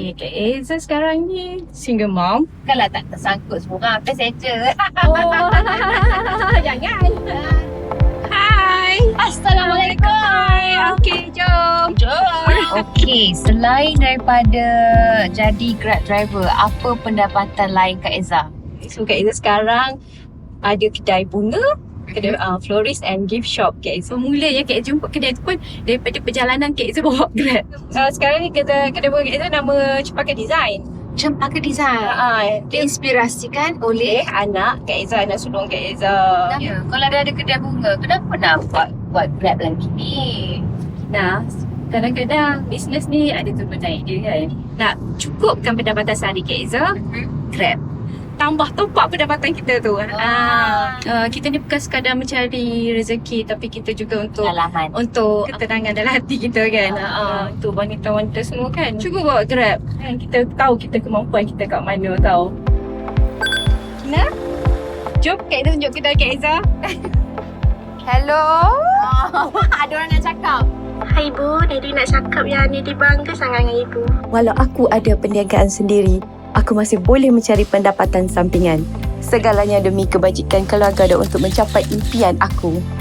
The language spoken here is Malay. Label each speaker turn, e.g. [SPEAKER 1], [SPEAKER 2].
[SPEAKER 1] Kak Eza sekarang ni single mom.
[SPEAKER 2] Kalau tak tersangkut semua orang passenger.
[SPEAKER 1] Oh, jangan. Hai.
[SPEAKER 2] Assalamualaikum.
[SPEAKER 1] Okey, jom.
[SPEAKER 2] Okey, selain daripada jadi Grab driver, apa pendapatan lain Kak Eza?
[SPEAKER 1] So Kak Eza sekarang ada kedai bunga, kedai florist and gift shop Kak Eza. Mulanya Kak Eza jumpa kedai tu pun daripada perjalanan Kak Eza bawa Grab. Sekarang ni kedai bunga Kak Eza nama Cempaka Design.
[SPEAKER 2] Cempaka Design. Diinspirasikan oleh
[SPEAKER 1] Anak Kak Eza, anak sulung Kak Eza.
[SPEAKER 2] ya. Kalau dah ada kedai bunga, kenapa nak buat Grab lagi ni?
[SPEAKER 1] Nah, kadang-kadang bisnes ni ada turun naik dia kan. Nak cukupkan pendapatan sehari Kak Eza, Grab. Tambah top-up pendapatan kita tu. Kita ni bukan sekadar mencari rezeki, tapi kita juga untuk ketenangan dalam hati kita kan. Untuk wanita-wanita semua kan. Cuba bawa Grab. Kan kita tahu kita kemampuan kita kat mana tahu. Nah, jom Kak Eza tunjuk kedai Kak Eza.
[SPEAKER 2] Hello. Ada orang nak cakap.
[SPEAKER 3] Hai Ibu, Didi nak cakap yang Didi bangga sangat dengan Ibu.
[SPEAKER 4] Walau aku ada perniagaan sendiri, aku masih boleh mencari pendapatan sampingan. Segalanya demi kebajikan keluarga dan untuk mencapai impian aku.